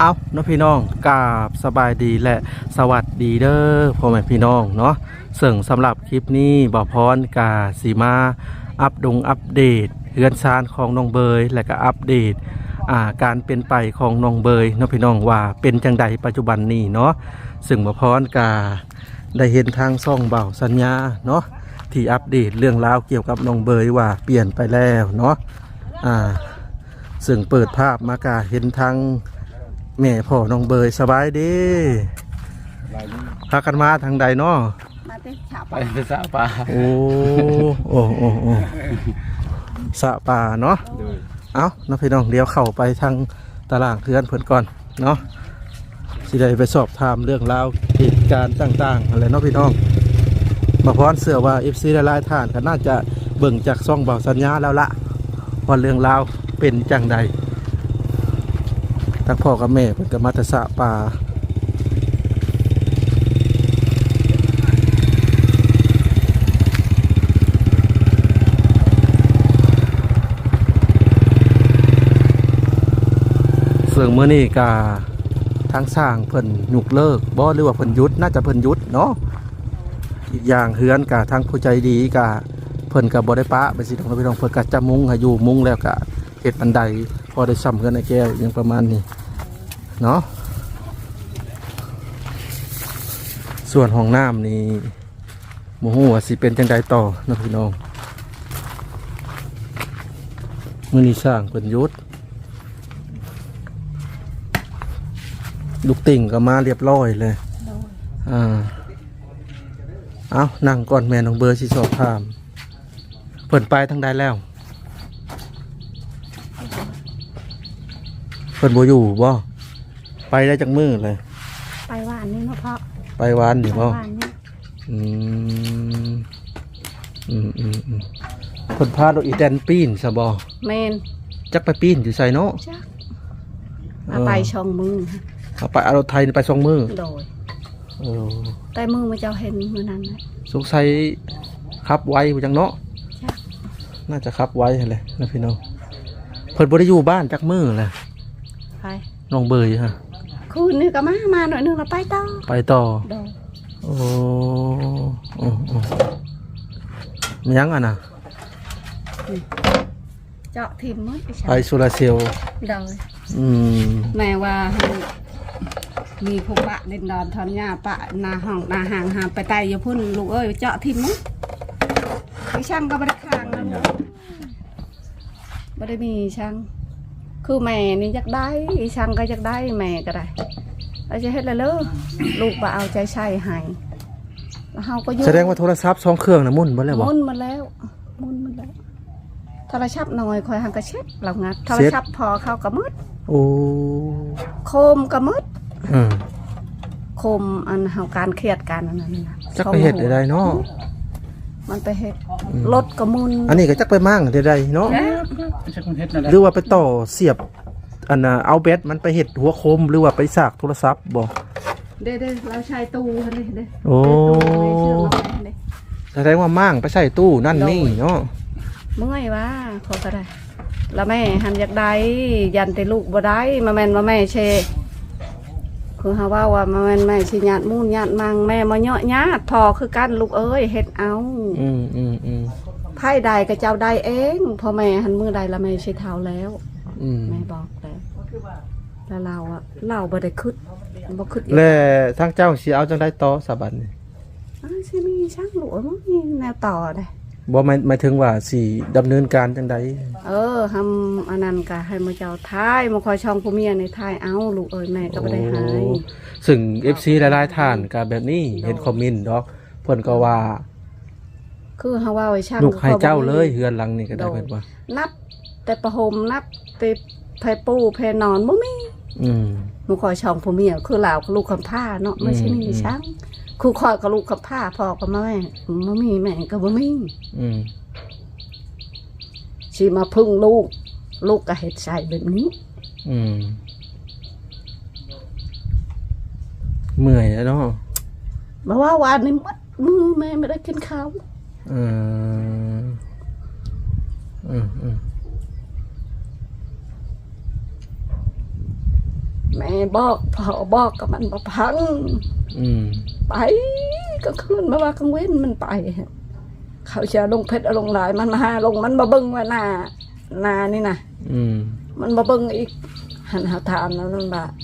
เอาเนาะพี่น้องกราบสบายดีและสวัสดีเด้อพ่อแม่พี่น้องเนาะซึ่งสำหรับคลิปนี้บ่พรกาสีมาอัปเดตเฮือนซานของน้องเบยและก็อัปเดตการเป็นไปของน้องเบยเนาะพี่น้องว่าเป็นจังใดปัจจุบันนี้เนาะซึ่งบ่พรกาได้เห็นทางซ่องเบาสัญญาเนาะที่อัปเดตเรื่องราวเกี่ยวกับน้องเบยว่าเปลี่ยนไปแล้วเนาะซึ่งเปิดภาพมากาเห็นทางแม่พ่อน้องเบยสบายดีพากันมาทางใดเนาะมาเตะฉาบไปสระปลาโอ้สะป่าเนาะเอาน้องพี่น้องเดี๋ยวเข้าไปทางตารางเพื่อนเพิ่นก่อนเนาะสิได้ไปสอบถามเรื่องราวเหตุการณ์ต่างๆอะไรเนาะพี่น้องมาพร้อมเสื้อว่า FC หลายๆท่านก็น่าจะเบิ่งจากซ่องเบาสัญญาแล้วละว่าเรื่องราวเป็นจังใดทั้งพ่อกับแม่เพิ่นก็มาแต่สะป่าซึ่งเมื่อนี้กาทางสร้างเพิ่นยุกเลิกบ่หรือว่าเพิ่นยุดน่าจะเพิ่นยุดเนาะอีกอย่างเฮือนกาทางผู้ใจดีกาเพิ่นก็บ่ได้ปะไปสิน้องพี่น้องเพิ่นก็จะมุงให้อยู่มุงแล้วก็เฮ็ดบันไดพอได้ซ้ำเฮือนไอ้แก้วอย่างประมาณนี้เนาะส่วนห้องน้ำนี่บ่ฮู้ว่าสิเป็นจังใดต่อน้องพี่น้องมื้อนี้สร้างเพิ่นยุดลูกติ่งก็มาเรียบร้อยเลยเอานั่งก่อนแม่น้องเบอร์สิสอบถามเพิ่นไปทางใดแล้วเพิ่นบ่อยู่บ่ไปได้จักมื้อเลยไปหวานนี่เนาะพ่อไปวานนี่บ่อืมเพิ่นพาดอกอีแตนปีนซะบ่เมนจักไปปีนอยู่ไสเนาะจักเอาไปช่องมือเอาไปเอารถไทยไป2มื้อโดยแต่มือมาเจ้าเห็นมื้อนั้นนะสงสัยขับไวบ่จังเนาะน่าจะขับไวแหละนะพี่น้องเพิ่นบ่ได้อยู่บ้านจักมื้อแหละไปน้องเบยฮะคืนนี้ก็มาหน่อยนึงแล้วไปต่อโดยโอ้มันยังอ่ะนะเจาะทิมมั้งไปโซลาเซลล์โดยแม่ว่ามีพวกปะเล่นดอนทอนหญ้าปะนาห้องนาห่างหาไปไตอย่าพุ่นลูกเอ้ยเจาะทิมมั้งมีช่างก็ไม่ได้ค้างนะไม่ได้มีช่างคือแม่นี่อยากได้ช่างก็อยากได้แม่ก็ได้เราจะเฮ็ดอะไรเลยลูกบ่เอาใจใส่ให้แล้วเฮาก็อยู่แสดงว่าโทรศัพท์2เครื่องน่ะมุ่นบ่แล้วบ่มุ่นมาแล้วโทรศัพท์น้อยคอยหังกระเช็ดเรางัดโทรศัพท์พอเข้าก็มืดโอ้โคมก็มืดโคมอันเฮาการเครียดกันอันนั้นนะจักไปเฮ็ดได้เนาะมันไปเฮ็ดรถก็มุนอันนี้ก็จักไปมั่งได้เนาะหรือว่าไปต่อเสียบอันน่ะเอาแบตมันไปเฮ็ดหัวโคมหรือว่าไปสากโทรศัพท์บ่เด้เราใช้ตู้หั่นเด้โอ้แสดงว่ามั่งไปใส่ตู้นั่นนี่เนาะเมื่อยว่าขอก็ได้แล้วแม่หันอยากได้ยันแต่ลูกบ่ได้มาแม่นมาแม่เชคือเฮาว่ามาแม่นแม่สิญาติมูนญาติมังแม่มาเยาะญาติพอคือกันลูกเอ้ยเฮ็ดเอาไผใดก็เจ้าได้เองพอแม่หันมือใดแล้วแม่สิเฒ่าแล้วแม่บอกแล้วเราบ่ได้คิดบ่คิดแล้วทางเจ้าสิเอาจังได๋ต่อสะบัดนี่สิมีช่างลูกบ่มีแนวต่อได้บ่หมายถึงว่าสิดำเนินการจังใดทำอันนั้นก็ให้มาเจ้าท้ายมาคอยช่องผู้เมียในท้ายเอาลูกเอ้ยแม่ก็บ่ได้หายซึ่ง FC หลายๆท่านก็แบบนี้เห็นคอมเมนต์ดอกเพิ่นก็ว่าคือเฮาว่าไว้ช่างลูกให้เจ้าเลยเฮือนหลังนี้ก็ได้เพิ่นว่านับแต่ประหมนับแต่ไผปูไผนอนบ่มีมาคอยช่องผู้เมียคือลาวลูกคำผ้าเนาะไม่ใช่มีช่างครูคอยกับลูกกับผ้าพ่อกับแม่ไม่มีแม่ก็บ่มีสิมาพึ่งลูกก็เฮ็ดใส่แบบนี้เมื่อยแล้วเนาะบ่ว่าวันนี้มัดมือแม่ไม่ได้กินข้าวแม่บอกพ่อบอกกับมันบ่พังอืมไปก็คืนมาว่ากลางเว้นมันไป เขาจะลงเพชรลงหลายมันมาหาลงมันมาเบิ่งว่าหน้านี่นะอืมมันมาเบิ่งอีกหันหาถามแล้วนั่นว่า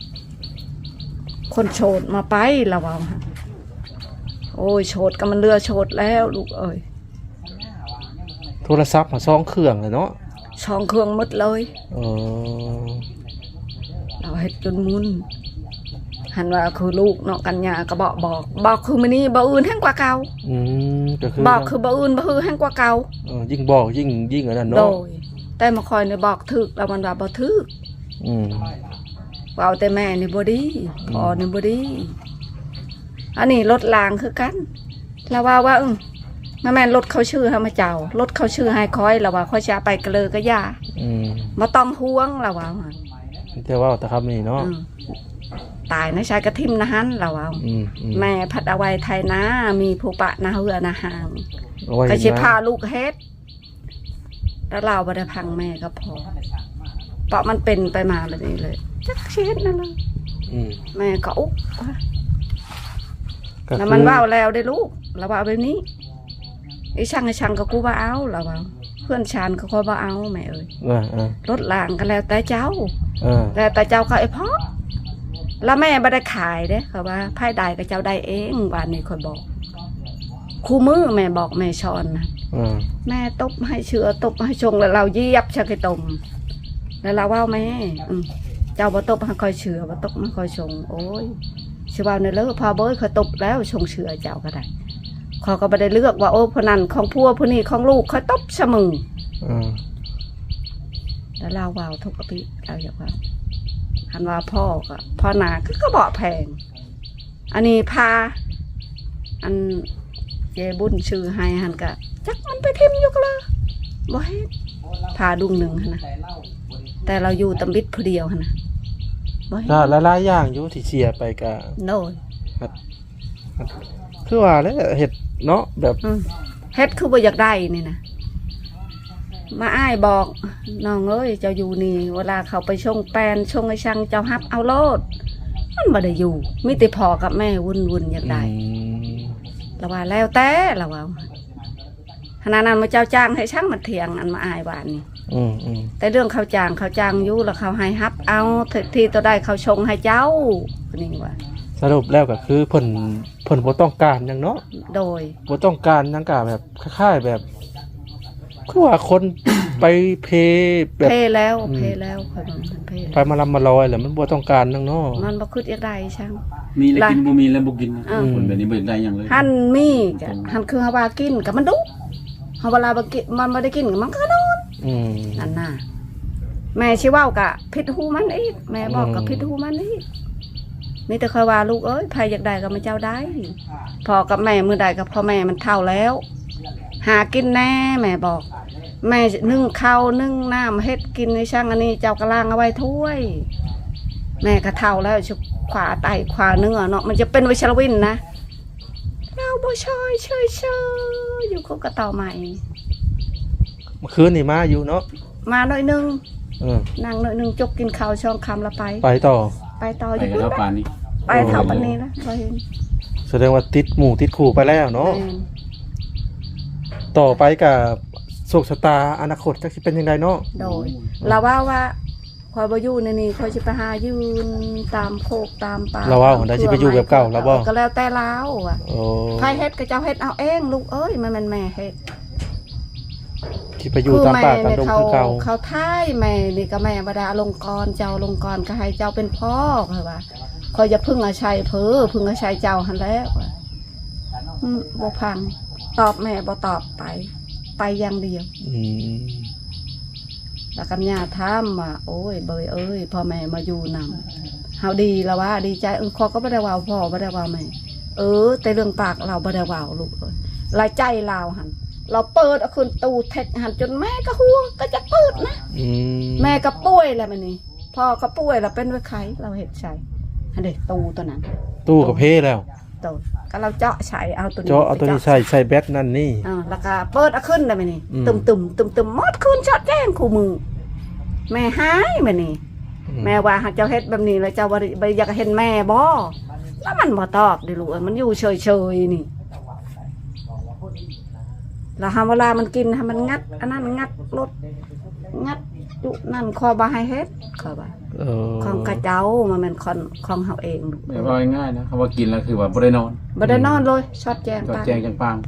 คนโฉดมาไปละว่าโอ้ยโฉดก็มันเรือโฉดแล้วลูกเอ้ยโทรศัพท์มาซ่องเครื่องเลยเนาะช่องเครื่องหมดเลยเออเราเฮ็ดจนมุนหันว่าคือลูกเนาะกันยาก็บอกคือมื้อนี้บ่อื่นแห่งกว่าเก่าอืมก็คือบอกคือบ่อื่นบ่คือแห่งกว่าเก่ายิ่งบอกยิ่งอันนั้นโดเนาะยแต่มาคอยเนี่ยบอกถึกแล้วมันว่าบ่ถึกอืมว่าเอาแต่แม่นี่บ่ดีพ่อนี่บ่ดีอันนี้รถลางคือกันแล้วว่าแม่นรถเขาชื่อให้มาเจ้ารถเขาชื่อให้คอยแล้วว่าค่อยจะไปกระเลอก็ย่าอืมบ่ต้องห่วงแล้วว่าแต่ว่าแต่ครับนี่เนาะตายนะชายกระทิมนะฮันแล้วว่าอืมแม่พัดเอาไว้ไทยนะมีผู้ปะนาเหือนาหางเอาไว้ก็สินะพาลูกเฮ็ดแล้วเราบ่ได้พังแม่ก็พอเพราะมันเป็นไปมาแบบนี้เลยจักสิเฮ็ดนั่นเลยอืมแม่ก็อุ๊บก็แล้วคือมันว่าแล้วได้ลูกเราว่าแบบนี้ไอ้ช่างก็กูว่าเอาเราว่าเพื่อนชานก็คอยว่าเอาแม่เอ้ยอ่ารถลางก็แล้วแต่เจ้าอ่าแต่เจ้าก็ไอ้พ่อแล้วแม่ไม่ได้ขายเด้เขาว่าไพ่ใดก็เจ้าได้เองวันนี้คอยบอกคู่มือแม่บอกแม่ชอนนะอ่าแม่ตบให้เชือตบให้ชงแล้วเราเยียบชักไอ้ตมแล้วเราว่าแม่เจ้าบ่ตบให้คอยเชือบ่ตบให้คอยชงโอ้ยชื่อว่าในเลิกพอเบ้ยเขาตบแล้วชงเชือเจ้าก็ได้เขาก็ไม่ได้เลือกว่าโอ้พนันของพัวผู้นี้ของลูกเขาตบเสมออ่าแล้วเราว่าทุกปีเราอยากว่าหันว่าพ่อก็พ่อนาก็บอกแพงอันนี้พาอันเจบุญชื่อให้หันกะจักมันไปทิมอยู่ก็เลยบ่เฮ็ดพาดุงหนึ่งหั่นนะแต่เราอยู่ตำบิดผู้เดียวหั่นนะบ่เฮ็ดก็หลายๆอย่างอยู่ที่เชียร์ไปก็โน่นคือว่าแล้วเฮ็ดเนาะแบบเฮ็ดคือบ่อยากได้นี่นะมาอ้ายบอกน้องเอ้ยเจ้าอยู่นี่เวลาเขาไปชงแปนชงไอ้ช่างเจ้าฮับเอาโลดมันบ่ได้อยู่มีแต่พ่อกับแม่วุ่นอยากได้ละว่าแล้วแต่ละว่าขณะนั้นมาเจ้าจ้างให้ช่างมาเถียงอันมาอ้ายบ้านนี่ แต่เรื่องเขาจ้างอยู่แล้วเขาให้ฮับเอาที่ตัวได้เขาชงให้เจ้านี่ว่าสรุปแล้วก็คือเพิ่นบ่ต้องการหยังเนาะโดยบ่ต้องการหยังก็แบบคล้ายๆแบบคือว่าคน ไปเพแบบเพแล้วคอยมันเพไปมาลำมาลอยแหละมันบ่ต้องการหยังเนาะมันบ่คิดอยากได้ช่างมีแล้วกินบ่มีแล้วบ่กินนะอืมคนแบบนี้บ่ได้หยังเลยหันมีกะหันคือเฮาว่ากินกับมันดุเฮาเวลาบ่กินมันบ่ได้กินมันก็นอนอืมนั่นน่ะแม่สิเว้ากะผิดหูมันอีกแม่บอกกับผิดหูมันอีกมีแต่คอยว่าลูกเอ้ยใครอยากได้ก็มาเจ้าได้พ่อกับแม่มื้อใดก็พ่อแม่มันเฒ่าแล้ว หากินแน่แม่บอก แม่นึ่งข้าวนึ่งน้ำเฮ็ดกินในช่างอันนี้เจ้ากระล่างเอาไว้ถ้วย แม่ก็เฒ่าแล้วชุบขวาไตขวาเนื้อเนาะมันจะเป็นวิชาวินนะเราบ่ช่อยเชยอยู่กับกระต่อใหม่เมื่อคืนนี่มาอยู่เนาะมาหน่อยนึงเออนั่งหน่อยนึงจกกินข้าวช่องคำละไปไปต่อไปต่ออไปยู่กับพุ่นเท่าปานนี้ไปเท่าปันนี้นะเราเห็นแสดงว่าติดหมู่ติดคู่ไปแล้วเนาะแม่นต่อไปกับโชคชะตาอนาคตจักสิเป็นยังไงเนาะโดยเราว่าคอยบ่อยู่ในนี้คอยสิไปหายืนตามโคกตามป่าเราว่าคนใดสิไปอยู่แบบเก่าแล้วบ่ก็แล้วแต่เราอ่ะโอ้ใครเฮ็ดก็เจ้าเฮ็ดเอาเองลูกเอ้ยมันแม่เฮ็ดที่ไปอยู่ตามป่าตามดงคือเก่าเขาท้ายแม่นี่ก็แม่บ่ได้อลงกรณ์เจ้าลงกรณ์ก็ให้เจ้าเป็นพ่อคือว่าคอยจะพึ่งอาชัยพึ่งอาชัยเจ้าหั่นแล้วว่ะบ่พังตอบแม่บ่ตอบไปอย่างเดียวอืมแล้วกัญญาถามว่าโอ้ยเบยเอ้ยพ่อแม่มาอยู่นำเฮาดีแล้วว่าดีใจขอก็บ่ได้ว่าพ่อบ่ได้ว่าแม่แต่เรื่องปากเราบ่ได้ว่าลูกเอ้ยรายใจเราหั่นเราเปิดเอาคืนตู้เทคหั่นจนแม่ก็หัวก็จะเปิดนะอืมแม่ก็ป่วยแล้วมันนี่พ่อก็ป่วยแล้วเป็นไว้ไข้เราเฮ็ดใช้อันเด็กตู้ตัวนั้นตู้กับเพแล้วตู้ก็เราเจาะใช้เอาตัวนี้เจาะเอาตัวนี้ใส่แบตนั่นนี่แล้วก็เปิดเอาขึ้นแล้วมันนี่อืมตุ่มหมดคืนช็อตแจ้งคู่มือแม่หายมันนี่แม่ว่าหากเจ้าเฮ็ดแบบนี้แล้วเจ้าบ่อยากเห็นแม่บ่แล้วมันบ่ตอบดิลูกมันอยู่เฉยๆนี่แล้วเวลามันกินให้มันงัดอันนั้นงัดรถงัดจุนั่นคอบ่ให้เฮ็ดคอบ่ของกระเจ้ามันเป็นของเฮาเองลูกไม่ว่าง่ายๆนะคำว่ากินแล้วคือว่าบ่ได้นอนบ่ได้นอนเลยช็อตแจงก็ปากแจ้งจังปัง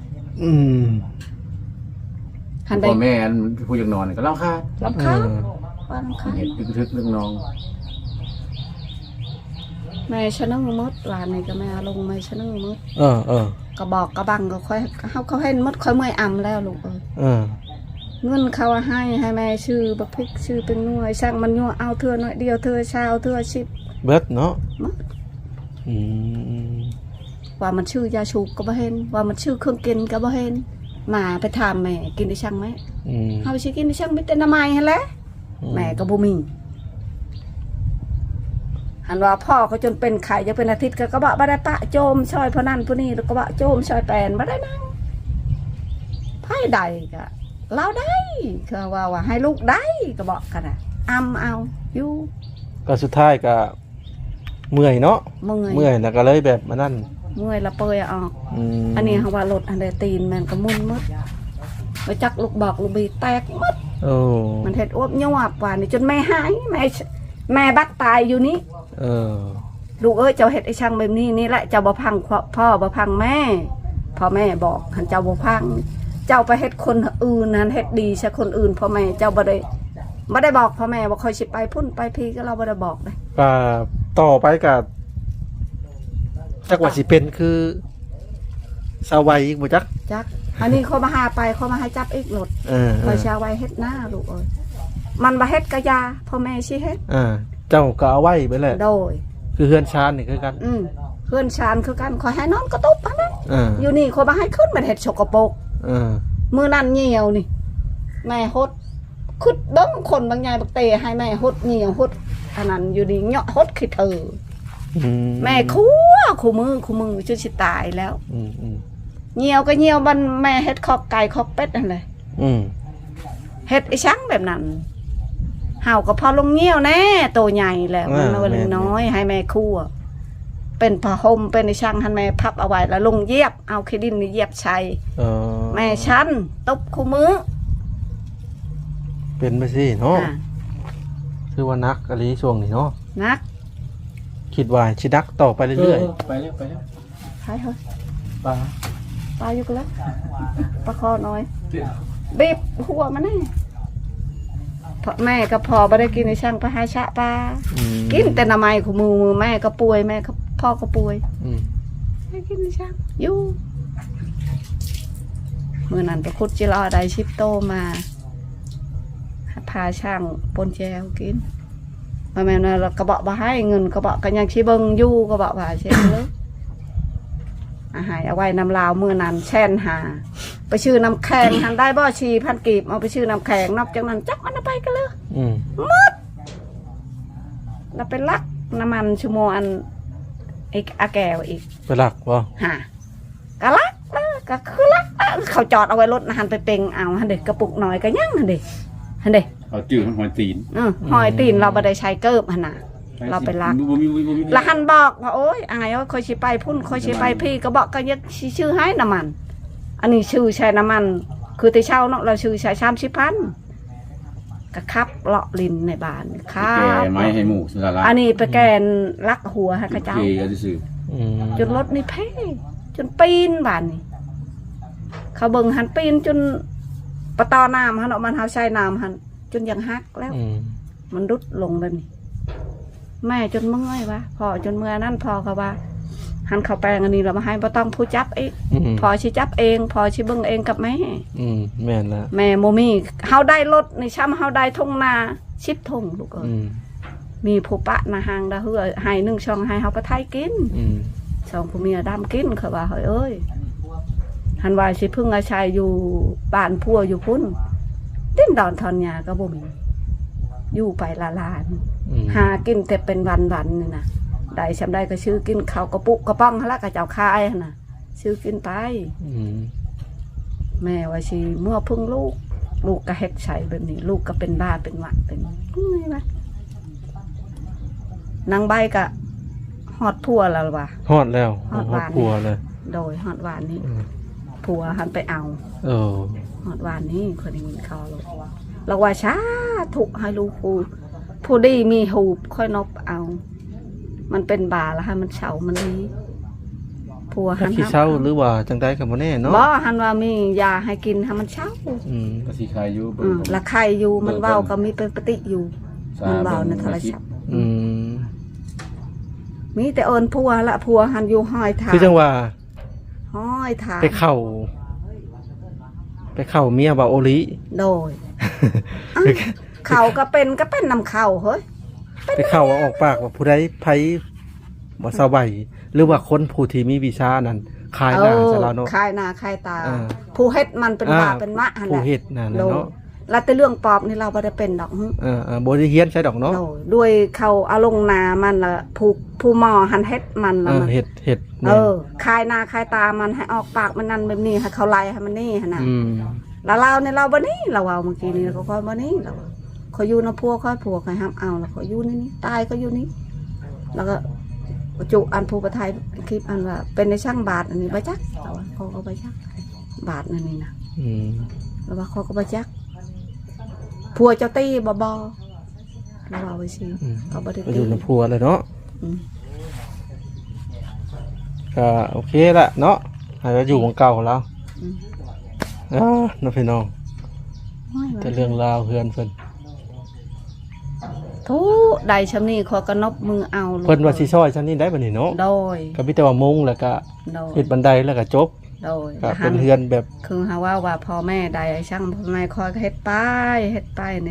หันได้พ่อแม่ผู้อยากนอนก็เล่าค่ารำคาญว่ารำคาญเห็นทึกๆเรื่องน้องแม่ชะนึงมดหลานนี่ก็แม่ลงแม่ชะนึงมด ก็บอกกระบังก็ค่อยเขาให้มดค่อยเมื่อยอ่ำแล้วลูกเงินเขาให้แม่ชื่อบักพริกชื่อเป็นหน่วยช่างมันยั่วเอาเธอหน่อยเดียวเธอชาวเธอชิบเบิดเนาะว่ามันชื่อยาชูก็บ่เห็นว่ามันชื่อเครื่องกินก็บ่เห็นมาไปถามแม่กินได้ช่างไหมเฮาสิกินได้ช่างไม่เป็นน้ำไม้หั่นแหละแม่ก็บ่มีหันว่าพ่อเขาจนเป็นไข่จะเป็นอาทิตย์ก็บอกบ่ได้ปะโจมช่อยพนั่นพนี่แล้วก็บอกโจมช่อยแปนบ่ได้นั่งไพ่ใดก็เล่าได้คือว่าให้ลูกได้ก็บอกกันน่ะเอาอยู่ก็สุดท้ายก็เมื่อยเนาะเมื่เมื่ออย ยแล้วก็เลยแบบมานั่นเมื่อยละเปยออกอันนี้เขาว่ารถอันใดตีนมันก็มุ่นมดไปจักลูกบอกลูกบีแตกมดมันเห็ดอ้วบยวบว่านี่จนแม่หายแม่บักตายอยู่นี่ลูกเอ้ยเจ้าเห็ดไอ้ช่างแบบนี้นี่แหละเจ้าบ่พังพ่อบ่พังแม่พ่อแม่บอกหันเจ้าบ่พังเจ้าไปเห็ดคนอื่นนั้นเห็ดดีใช่คนอื่นพ่อแม่เจ้าบ่ได้บอกพ่อแม่บ่คอยสิไปพุ่นไปพีก็เราบ่ได้บอกเลยต่อไปกับจักว่าสิเป็นคือสาวัยอีกบ่จักอันนี้เขามาหาไปเขามาให้จับอีกรถคอยชาไว้เฮ็ดหน้าลูกเอ้ยมันบ่เฮ็ดกะยาพ่อแม่สิเฮ็ดเจ้าก็เอาไว้ไปแหละโดยคือเฮือนชานนี่คือกันเฮือนชานคือกันขอให้นอนกระตุบหั่นน่ะอยู่นี่เขามาให้ขึ้นมันเฮ็ดสกปรกมื้อนั้นเหี่ยวนี่แม่ฮดคึดเบิ่งคนบางใหญ่บักเตให้แม่ฮดเหี่ยวฮดอันนั้นอยู่นี่เหาะฮดขี้เธอแม่คู่มือจนสิตายแล้วเหี่ยวก็เหี่ยวมันแม่เฮ็ดคอกไก่คอกเป็ดนั่นแหละเฮ็ดไอ้ช้างแบบนั้นเห่าก็พอลงเหี่ยวแน่โตใหญ่แล้วมันมาเล็กน้อยให้แม่คู่เป็นผ้าห่มเป็นไอ้ช้างให้แม่พับเอาไว้แล้วลงเย็บเอาขี้ดินนี่เย็บใช้แม่ฉันตบคู่มือเป็นไปสิเนาะคือว่านักอะไรช่วงนี้เนาะนักคิดว่าชิดักต่อไปเรื่อยๆไปแล้วใช่เหรอปลาอยู่กันแล้วปลาคอน้อยบีบหัวมันแน่พ่อแม่ก็พอไม่ได้กินในช่างปลาหาชะปลากินแต่น้ำไม้ของมือแม่ก็ป่วยแม่ก็พ่อก็ป่วยไม่กินในช่างอยู่เมื่อนั้นไปคุดจิรอได้ชิปโตมาพาช่างปนแจวกินมาแม่เรากระบอกมาให้เงินกระบอกกันยังชี้เบิงยู่กระบอกว่าเช่นเลยอาหารเอาไว้น้ำลาวมือนั้นแช่นหาไปชื่อน้ำแข็งหันได้บ่ชีพันกีบเอาไปชื่อน้ำแข็งนอกจากนั้นจักมันไปกันเลยหมดเราไปลักน้ำมันชั่วโมงอันอีกอาแก้วอีกไปลักวะฮะก็ลักก็คือลักเขาจอดเอาไว้รถหันไปเป่งเอาหันเด็กกระปุกหน่อยก็ยั่งหันเด็กเอาจืดหอยตีนหอยตีนเราไม่ได้ใช้เกิบหันน่ะเราไปลักแล้วหันบอกว่าโอ๊ยอายว่าคอยชี้ไปพุ่นคอยชี้ไปพี่ก็บอกก็ยักชื่อให้น้ำมันอันนี้ชื่อใช้น้ำมันคือแต่เช่าเนาะเราชื่อใช้30,000ก็ขับเลาะลินในบ้านครับแกไม้ให้หมูสุดาอันนี้ไปแกนลักหัวให้กระเจ้าจนรถนี่เพ่จนปีนบ้านนี่เขาเบิ่งหันปีนจนปะตอน้ำหันออกมาเท้าใช้น้ำหันจนยังฮักแล้วมันรุดลงเลยนี่แม่จนเมื่อยวะพอจนเมื่อนั่นพอเขาว่าหันเขาแปลงอันนี้เรามาให้บ่ต้องผู้จับเองพอชิจับเองพอชิเบิ่งเองกับแม่แม่ละแม่โมมี่เฮาได้รถในช้ำเฮาได้ทงนาชิบทงลูกเอ้ยมีผู้ปะนาหางดาเฮือให้1ช่องให้เฮาไปไทยกินช่องผู้เมียดำกินเขาว่าเอ้ยหันว่าสิพึ่งอาชัยอยู่บ้านพัวอยู่พุ่นดิ้นดอนทอนยาก็บ่มีอยู่ไปลานหากินแต่เป็นวันนี่นะได้ชำได้ก็ชื่อกินข้าวกระปุกกระป้องละกระเจ้าคายนะชื่อกินไปแม่ว่าสิเมื่อพึ่งลูกก็เฮ็ดใส่แบบนี้ลูกก็เป็นบ้าเป็นหวัดเป็นไงวะนางใบก็ฮอดผัวแล้วว่ะฮอดแล้วฮอดหวานครัวเลยโดยฮอดหวานนี้อืมผัวหันไปเอาเออฮอดหวานนี้คนได้ยินเขาลูกเราว่าช้าถูกให้ลูกผู้ดีมีหูบค่อยนบเอา มันเป็นบาแล้วให้มันเฉามันดีผัวหัถ้าน ขี้เศร้าหรือว่าจังไดก็บ่แน่เนาะบ่หันว่ามียาให้กินให้มันเฉาอืมก็สิขายอยู่ละไข่อยู่มันเว้าก็มีเป็นปฏิอยู่ มันเว้าในโทรศัพท์อืมมีแต่เอิญผัวละผัวหันอยู่ห้อยถาคือจังว่าห้อยถาไปเข้าเมียบ่าโอลิโดยเขาก็เป็นนำเขาเฮ้ยไปเข้าว่าออกปากว่าผู้ใดไผบ่สบายหรือว่าคนผู้ที่มีวิชานั้นขายหน้าซะแล้วเนาะคายหน้าคายตาอ่าผู้เฮ็ดมันเป็นบาเป็นมะหันผู้แหละเฮ็ดนั่นโดน่ะยเนาะแล้วแต่เรื่องปอบนี่เราบ่ได้เป็นดอกหึบ่ได้เฮียนใช่ดอกเนาะโดยด้วยเขาเอาลงนามันละผู้หมอหันเฮ็ดมันละมันเฮ็ดคายหน้าคายตามันให้ออกปากมันนั่นแบบนี้ให้เขาไล่ให้มันนี่หั่นน่ะอืมแล้วเราเนี่ยเราบ่นี่เราเอาเมื่อกี้นี้เราก็ค่อยบ่นี่เราเขาอยู่นะพัวค่อยผัวค่อยห้ามเอาแล้วเขาอยู่นี่ตายก็อยู่นี่แล้วก็จุอันผู้ประทายคลิปอันว่าเป็นในช่างบาทอันนี้บ่จักเราว่าเขาก็บ่จักบาทนั่นนี่นะอืมแล้วว่าเขาก็บ่จักผัวเจ้าตีบ่เราเอาไว้สิอืมเขาบ่ได้ไปตีอยู่ในพัวเลยเนาะอืมก็โอเคละเนาะให้เราอยู่ของเก่าแล้วอืมน้องพี่น้องโอ้ยแต่เรื่องราวเพื่อนเพิ่นทุใดชำนี้ขอกระนบมือเอาลูกเพิ่นว่าสิซอยชั้นนี้ได้บัดนี้เนาะโดยก็มีแต่ว่ามุงแล้วก็โดยเฮ็ดบันไดแล้วก็จบโดยก็เป็นเฮือนแบบคือหาว่าพ่อแม่ใดช่างพ่อแม่คอยเฮ็ดไปนี่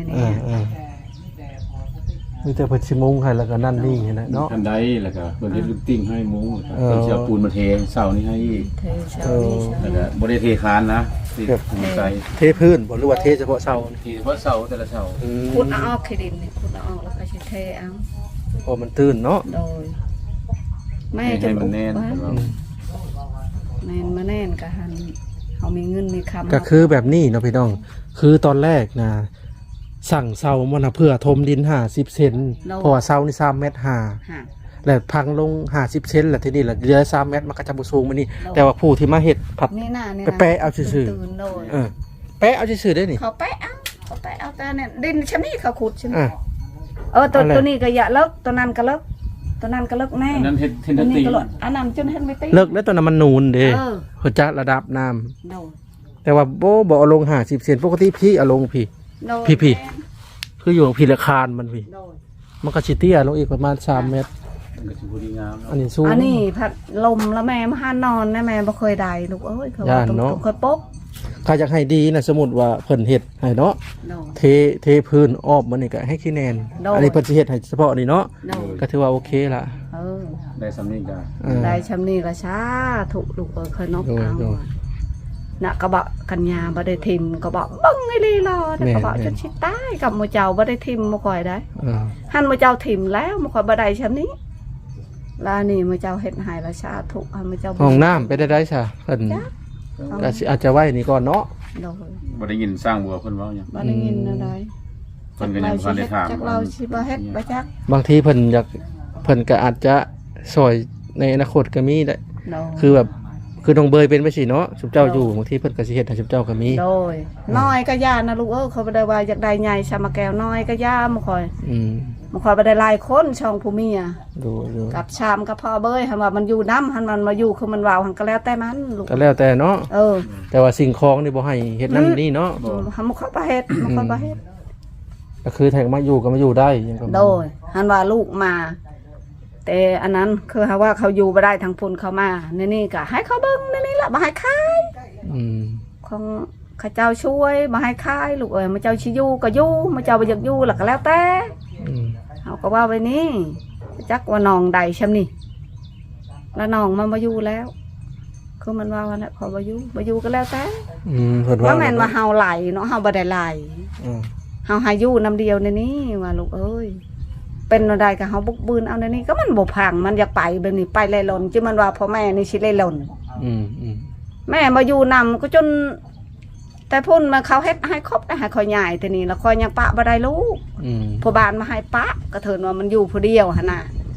มีแต่เพิ่นสิมุงให้แล้วก็นั่นนี่นะเนาะกันได้แล้วก็เพิ่นเฮ็ดลูกติ้งให้หมูเออเพิ่นสิเอาปูนมาเทเสานี่ให้อีกเทเช้านี้เช้าแล้วนี้ก็บ่ได้เทคานนะที่ภูมิใจเทพื้นบ่หรือว่าเทเฉพาะเสาที่ว่าเสาแต่ละเสาขุดเอาออกขี้ดินนี่ขุดเอาออกแล้วก็สิเทเอาพอมันตื้นเนาะโดยแม่ให้มันแน่นว่าแม่นมาแน่นก็หันเฮามีเงินมีคำก็คือแบบนี้เนาะพี่น้อง คือตอนแรกนะสั่งเสามันน่ะเพื่อถมดิน50เซนเพราะว่าเสานี่3เมตรฮะแล้วพังลง50เซนแล้วทีนี้ละเหลือ3เมตรมันก็จะบ่สูงมานี่แต่ว่าผู้ที่มาเฮ็ดผัดนี่น่ะนี่ไปแปะเอาซื่อๆตื่นโดยแปะเอาซื่อๆได้นี่เขาแปะเอาแต่เนี่ยดินชำนี้เขาขุดใช่มั้ยอ่ะตัวอะไรตัวนี้ก็อย่าเลิกตัวนั้นก็เลิกตัวนั้นก็เลิกแน่อันนั้นเฮ็ดเทนตัวนี้ตีก็เลิกอันนั้นจนเฮ็ดไม่ติเลิกแล้วตอนนั้นมันนูนเด้เออเพื่อจัดระดับน้ำโดยแต่ว่าบ่เอาลง50เซนปกติพี่เอาลงพี่โดยพี่ คืออยู่พี่ละคานมันพี่โดยมันก็สิเตี้ยลงอีกประมาณ3เมตรมันก็สิบ่ดีงามอันนี้สูงอันนี้พัดลมแล้วแม่มาหานอนนะแม่บ่เคยได้ลูกเอ้ยเขาว่าย่านต้องเนาะต้องเคยปกถ้าอยากให้ดีนะสมมุติว่าเพิ่นเฮ็ดให้เนาะโดยเทพื้นอ้อมมันนี่ก็ให้ขี้แนนโดยอันนี้เพิ่นสิเฮ็ดให้เฉพาะนี่เนาะโดยก็ถือว่าโอเคละเออได้สำนี้ก็เออได้ชำนี้ละช้าถูกลูกเอ้ยเคยนบโดยเอาโดยน่ะก็บอกกัญญาบ่ได้ทิมก็บอกบังไอ้ลีรอแต่ก็บอกแม่นจนสิตายกับหมู่เจ้าบ่ได้ทิมบ่ค่อยได้เออหันหมู่เจ้าทิมแล้วบ่ค่อยบ่ได้ชำนี้แลวนี่หมู่เจ้าเฮ็ดให้ละช้าถูกหันหมู่เจ้าห้องน้ำไปได้ซะเพิ่นก็สิอาจจะไว้นี่ก่อนเนาะโดยบ่ได้ยินสร้างบัวเพิ่นเว้าหยังบ่ได้ยินอะไรเพิ่นก็ยังบ่ได้ถามจักเราสิบ่เฮ็ดบ่จักบางทีเพิ่นก็อาจจะซอยในอนาคตก็มีได้โดยคือแบบคือน้องเบยเป็นไปสิเนาะสุบเจ้าอยู่บางทีเพิ่นก็สิเฮ็ดให้สุบเจ้าก็มีโดยน้อยก็ย่านะลูกเอ้ยเขาบ่ได้ว่าอยากได้ใหญ่ชามาแก้วน้อยก็ย่าบ่ค่อยอืมบ่ค่อยบ่ได้หลายคนช่องผู้เมียดูกับชามกับพ่อเบยหันว่ามันอยู่น้ำหันมันมาอยู่คือมันว่าวหันก็แล้วแต่มันลูกก็แล้วแต่เนาะเออแต่ว่าสิ่งของนี่บ่ให้เฮ็ดนั่นนี่เนาะหันบ่ค่อยบ่เฮ็ดบ่ค่อยบ่เฮ็ดก็คือแทงมาอยู่ก็มาอยู่ได้ยังก็โดยหันว่าลูกมา แต่อันนั้นคือหาว่าเขาอยู่บ่ได้ทางพุ่นเขามานี่ก็ให้เขาเบิ่งนี่ล่ะบ่ให้ขายอืมของข้าเจ้าช่วยบ่ให้ขายลูกเอ้ยมาเจ้าสิอยู่ก็อยู่มาเจ้าบ่อยากอยู่ล่ะก็แล้วแต่อืมเขาก็ว่าไว้นี่จักว่าน้องใดช่ำนี่แล้วน้องมันมาอยู่แล้ว คือมันว่าวันนั้นพอมาอยู่ก็แล้วแต่อืมเพิ่นว่าว่าแม่นว่าเฮาไหลเนาะเฮาบ่ได้ไหลอืมเฮาหาอยู่นำเดียวในนี้ว่าลูกเอ้ยเป็นอะไรได้ก็เฮาบุกบืนเอาในนี้ก็มันบ่พังมันอยากไปแบบนี้ไปเล่ร่อนจิมันว่าพ่อแม่นี่สิเล่ร่อนอืมอืมแม่มาอยู่นำก็จน แต่พุ่นมาเขาเฮ็ดให้ครบได้ให้คอยใหญ่แต่นี่แล้วคอยยังปะบ่ได้ลูกอืมพ่อบ้านมาให้ปะก็เถินว่ามันอยู่ผู้เดียวหั่นน่ะ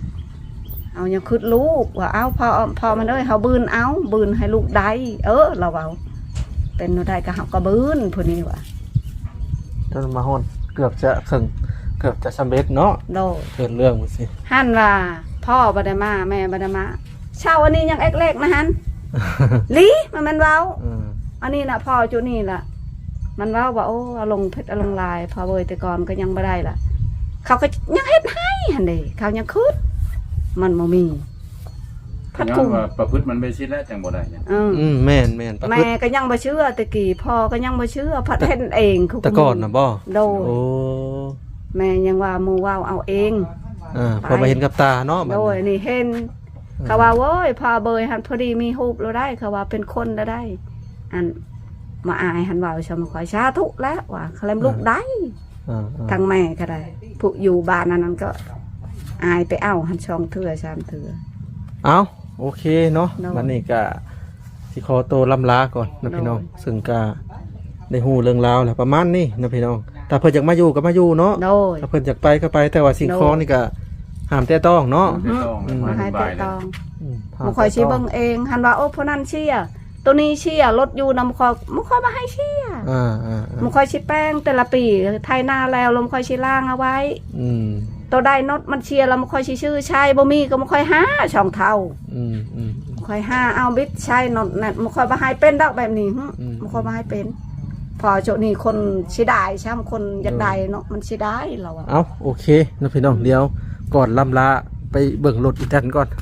เอายังคืดลูกว่าเอาพอมันเอ้ยเฮาบืนเอาบืนให้ลูกได้เราเอาเป็นบ่ได้ก็เฮาก็บืนผู้นี้ว่าจนมาฮอนเกือบจะถึงเกือบจะสำเร็จเนาะโดยเกิดเรื่องมาสิหั่นว่าพ่อบ่ได้มาแม่บ่ได้มาเช้าอันนี้ยังเล็กๆนะหั่น ลิมันเว้า อันนี้น่ะพ่อจุนี่ล่ะมันเว้าว่าโอ้เอาลงเพชรเอาลงลายพอเว้ยแต่ก่อนก็ยังบ่ได้ล่ะเขาก็ยังเฮ็ดให้หั่นเด้เขายังคืดมันบ่มีพัดยังกุมว่าประพฤติมันไม่ชิดแล้วจังบ่ได้เนี่ยแม่นแม่นประพฤแม่ติก็ยังบ่เชื่อตะกี้พ่อก็ยังบ่เชื่อพัดเฮ็ดเองคือแต่ก่อนนะบ่โดยโอ้แม่ยังว่าหมู่เว้าเอาเองพอมาเห็นกับตาเนาะบัดโดยนี้นี่เห็นเขาว่าโว้ยพอเบยหันพอดีมีรูปเราได้เขาว่าเป็นคนแล้วได้ อันมาอายหันว่าชมขอยชาทุกแล้วว่าเขาเล่มลูกได้ ทางแม่ก็ได้ผู้อยู่บ้านนั้นก็อายไปเอาหันช่องเถื่อชามเถื่อเอาโอเคเนาะเนาะวันนี้ก็สิขอตัวลำลาก่อนนะพี่น้องเนาะซึ่งก็ได้ฮู้เรื่องราวแหละประมาณนี้นะพี่น้องถ้าเพิ่นอยากมาอยู่ก็มาอยู่เนาะโดยถ้าเพิ่นอยากไปก็ไปแต่ว่าสิ่งเนาะของนี่ก็ห้ามแตะต้องเนาะไม่ต้องมาให้บ่าแต่ยเลยตองห้ามมันคอยชี้แตะต้เบิ่งเองหันว่าโอ้พนันเชียตัวนี้เชียรถอยู่นำคอยมันคอยมาให้เชีย มันคอยชี้แป้งแต่ละปีไทยนาแล้วลมคอยชี้ล่างเอาไว้อืมตัวใดนดมันเชียร์แล้วมันคอยชี้ชื่อใช่บ่มีก็มันคอยหาช่องเท่าอืมคอยห้าเอาบิดใช่นดนั่นมันคอยมาให้เป็นดอกแบบนี้อืมมันคอยมาให้เป็น พอโจนี่คนชิได้ใช่ไหมคนอยากได้เนาะมันชิได้เราอะเอาโอเคนะพี่น้องเดียวก่อนลำลาไปเบิ่งรถอีกทันก่อน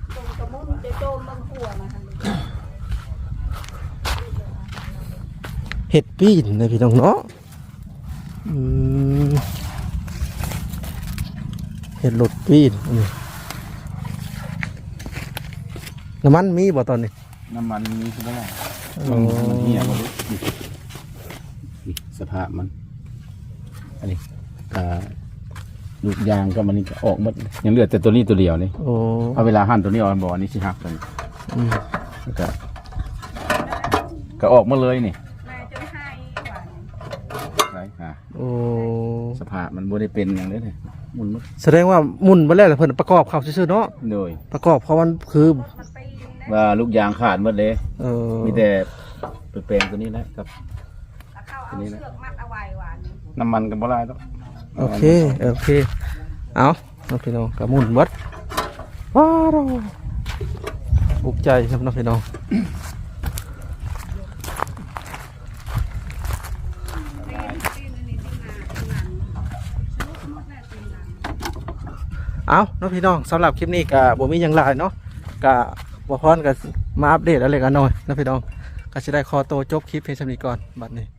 เห็ดปีนนะพี่น้องเนาะเห็ดรถปีนน้ำมันมีบ่ตอนนี้น้ำมันมีใช่ไหมล่ะอ๋อมันเหี่ยวบ่รู้นี่สภาพมัน อันนี้ลูกยางก็มันนี่ก็ออกหมดยังเหลือแต่ตัวนี้ตัวเดียวนี่โอ้เอาเวลาหั่นตัวนี้ออกบ่อนี้สิหักกันอืมแล้วก็ออกมาเลยนี่ไรโอ้สภาพมันบ่ได้เป็นอย่างนี้เลยมุนหมดแสดงว่ามุนไปแล้วแต่เพิ่นประกอบเข้าซื่อๆเนาะโดยประกอบเพราะมันคือว่าลูกยางขาดหมดเลย มีแต่ไปแปลงตัวนี้แหละครับตัวนี้แหละน้ำมันกันบ่ได้ต้องโอเคเอาพี่น้องกระมุนหมดว้าวบุกใจครับน้องพี่น้องเอาน้องพี่น้องสำหรับคลิปนี้กับบ่มีหยังหลายเนาะกับบ่พรกับมาอัปเดตอะไรกันหน่อยน้องพี่น้องก็จะได้ขอตัวจบคลิปเพียงเท่านี้ก่อนบัดนี้